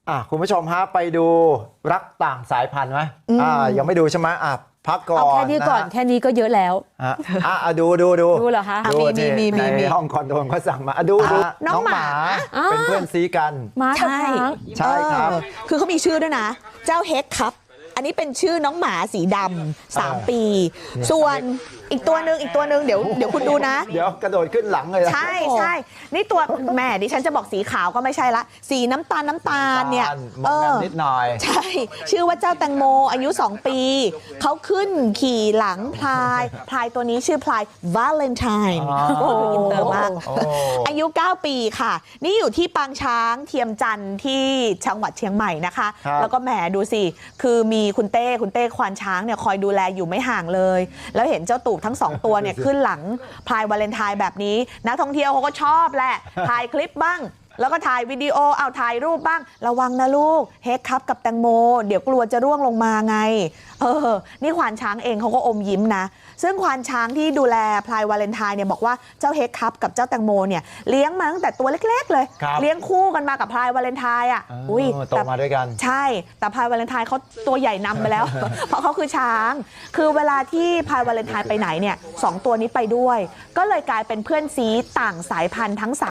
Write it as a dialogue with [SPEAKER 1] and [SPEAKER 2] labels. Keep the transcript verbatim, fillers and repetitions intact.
[SPEAKER 1] อ่ะคุณผู้ชมฮะไปดูรักต่างสายพันธุ์ไหมอ่ายังไม่ดูใช่ไหมอ่ะพักก่อน
[SPEAKER 2] เอาแค่นี้ก่อนแค่นี้ก็เยอะแล้ว
[SPEAKER 1] อ่ะอ่ะดูดูดู
[SPEAKER 2] ดูเหรอคะ
[SPEAKER 1] ดูมีมีมีในห้องคอนโดเขาสั่งมาดูดูน้องหมาเป็นเพื่อนซีกัน
[SPEAKER 2] หมากับช้าง
[SPEAKER 1] ใช่ครับ
[SPEAKER 3] คือเขามีชื่อด้วยนะเจ้าเฮกครับอันนี้เป็นชื่อน้องหมาสีดำสามปีส่วนอีกตัวหนึ่งอีกตัวหนึ่งเดี๋ยวเดี๋ยวคุณดูนะ
[SPEAKER 1] เดี๋ยวกระโดดขึ้นหลังเลย
[SPEAKER 3] ใช่ใช่นี่ตัวแม่ดิฉันจะบอกสีขาวก็ไม่ใช่ละสีน้ำตาลน้ำตาลเนี่ย
[SPEAKER 1] เออนิดหน่อย
[SPEAKER 3] ใช่ชื่อว่าเจ้าแตงโมอายุสองปีเขาขึ้นขี่หลังพลายพลายตัวนี้ชื่อพลายวาเลนไทน์โอ้อินเตอร์มากอายุเก้าปีค่ะนี่อยู่ที่ปางช้างเทียมจันทร์ที่จังหวัดเชียงใหม่นะคะแล้วก็แหมดูสิคือมีคุณเต้คุณเต้ควานช้างเนี่ยคอยดูแลอยู่ไม่ห่างเลยแล้วเห็นเจ้าตูบทั้งสองตัวเนี่ยขึ้นหลังพลายวาเลนไทน์แบบนี้นักท่องเที่ยวเขาก็ชอบแหละถ่ายคลิปบ้างแล้วก็ถ่ายวิดีโอเอาถ่ายรูปบ้างระวังนะลูกเฮกครับกับแตงโมเดี๋ยวกลัวจะร่วงลงมาไงเออนี่ควานช้างเองเขาก็อมยิ้มนะซึ่งควานช้างที่ดูแลพลายวาเลนไทน์เนี่ยบอกว่าเจ้าเฮกครับกับเจ้าแตงโมเนี่ยเลี้ยงมาตั้งแต่ตัวเล็กๆเลยเลี้ยงคู่กันมากับพลายวาเลนไทน์อ่ะ
[SPEAKER 1] อุ้ยโตมาด้วยกัน
[SPEAKER 3] ใช่แต่พลายวาเลนไทน์เขาตัวใหญ่นำไปแล้ว เพราะเขาคือช้างคือเวลาที่พลายวาเลนไทน์ไปไหนเนี่ยสองตัวนี้ไปด้วยก็เลยกลายเป็นเพื่อนซีต่างสายพันธุ์ทั้ง